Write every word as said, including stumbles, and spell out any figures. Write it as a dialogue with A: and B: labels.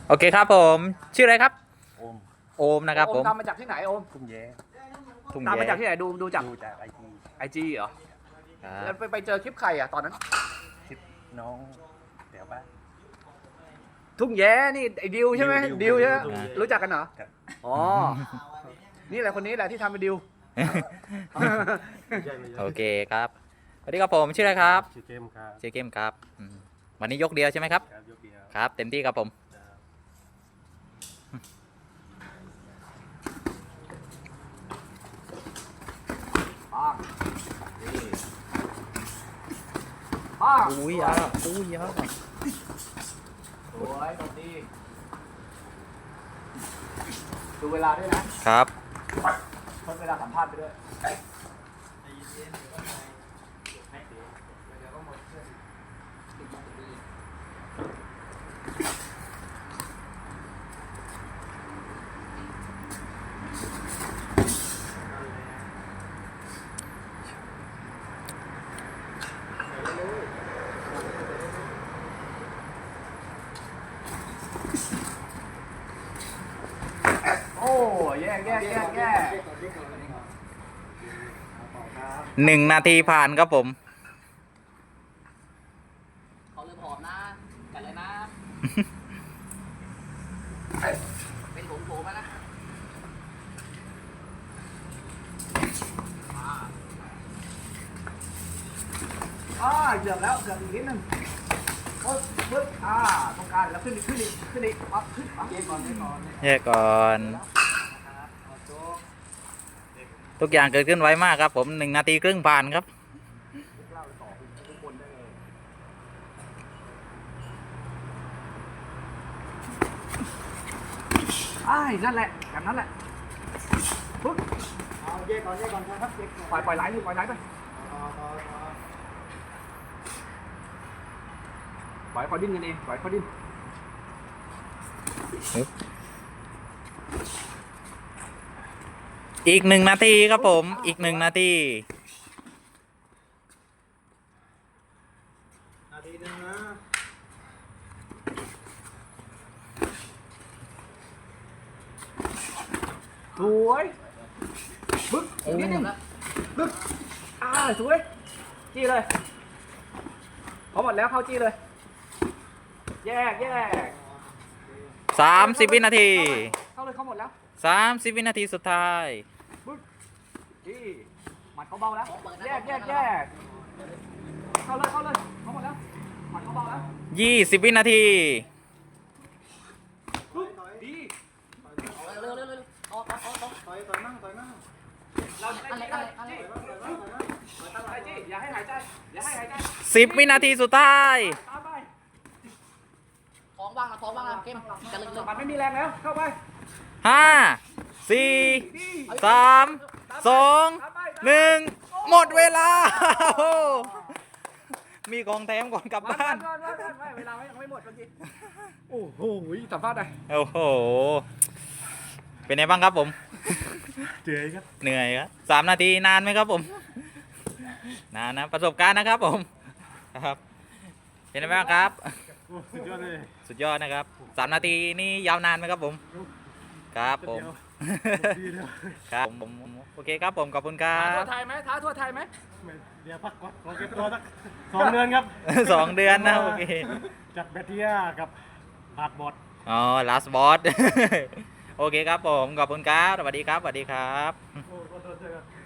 A: โอเคครับผมชื่ออะไรครับ
B: โอม
A: โอมนะครับผม
C: โอมตามมาจากที่ไหนโอม
B: ทุ่งแย้
A: ทุ่ง
C: ตามมา
A: แย้
C: จากที่ไหนดูดูจาก
B: ดูจากไอจี
C: ไอจีเหรอ
A: ครั
C: แล้ว
A: บ
C: ไปไปเจอคลิปใครอ่ะตอนนั้น
B: คลิปน้องแถวบ้าน
C: ทุ่งแย้นี่ไอ้ดิวใช่ไหม
B: ดิว
C: ดิวใช่ไหม
B: ดิว
C: รู้จักกันเหรอ
B: ครับ
C: อ๋อนี่แหละคนนี้แหละที่ทำเป็นดิว
A: โอเคครับสวัสดีครับผมชื่ออะไรครับ
B: ชื่อเกมครับ
A: ชื่อเกมครับอืมวันนี้ยกเดียวใช่ไหมครับ
B: ครับยกเดียว
A: ครับเต็มที่ครับผมอุ้ยอ่ะอุ้ยอ่ะ
C: สวยตรงดีดูเวลาด้วยนะครับ ทดเวลาสัมภาษณ์ไปด้วย โอ้แย่แย่แย่แย่
A: หนึ่งนาทีผ่านครับผม
C: เขาเริ่มหอมนะกันเลยนะ เป็นผงโผล่มานะอ่าเกือบแล้วเกือบอีกนิดนึงโอ้ปึ๊บอ่าตรงกลางแล้วขึ้นอีกขึ้นอีกขึ้นอีกอ่ะขึ้นอ่ะเกมก่อนเกมก่อน
A: แยกก่อนทุกอย่างเกิดขึ้นไวมากครับผมหนึ่งนาทีครึ่งผ่านครับ
C: อ้ายนั่นแหละแบบนั้นแหละปึ๊บเอาเย่ก่อนเย่ก่อนครับปล่อยปล่อยไหลปล่อยไหลไปปล่อยเขาดิ้นกันเองปล่อยเขาดิ้น
A: อีกหนึ่งนาทีครับผมอีกหนึ่งนาที
B: นาทีนึงนะ
C: สวยปึ๊บอีกนิดนึงปึ๊บอ่าสวยจี้เลยพอหมดแล้วเข้าจี้เลยแยกแยก
A: สามสิบวินาที
C: เข้าเลยเข้าหมดแล้ว
A: สามสิบวินาทีสุดท้าย
C: ปึ๊บจี้หมัดเขาเบาแล้วแยกแยกแยกเข้าเลยเข้าเลยเข้าหมดแล้วหมัดเขาเบาแล้ว
A: ยี่สิบวินาที
C: ปึ๊บดี
D: เร็วเร็วเร็วออกออกออกออก
B: ต่อยต่อยมั่งต่อยมั่ง
C: เราจะได้จี้จี้ตั้งใจจี้อย่าให้หายใจอย่าให้หายใจ
A: สิบวินาทีสุดท้าย
C: ตามไป
D: ท้องว่างนะท้องว่างนะเกมจะลึกลึก
C: มันไม่มีแรงแล้วเข้าไป
A: ห้าสี่
C: ดี
A: สามสองหนึ่งหมดเวลา มีของแถมก่อนกลับ
C: มา
A: บ้าน
C: มามามามาเวลายังไม่หมดเมื่อกี้โอ้โหสัมภาษณ์หน่อย
A: โอ้โห เป็นไงบ้างครับผม
B: เจ๋ยครับ
A: เหนื่อยครับสามนาทีนานไหมครับผม นานนะประสบการณ์นะครับผมครับ เป็นไงบ้างครับ
B: สุดยอดเลย
A: สุดยอดนะครับสามนาทีนี่ยาวนานไหมครับผม ครับผม
B: ดีเลย
A: ครับผมผมโอเคครับผมขอบคุณครั
C: ท้าทั่ว
A: บ
C: ไทยไหมท้าทั่วไทยไหม
B: เดี๋ยวพักก่อนขอเก็บตัวสักสองเดือนครับ
A: สองเดือนนะโอเค
B: จัดแบตเทียกับหาดบอด
A: อ๋อ last boss โอเคครับผมขอบคุณครับสวัสดีครับสวัสดีครับ
B: โอ้ขอโทษด้วยครับ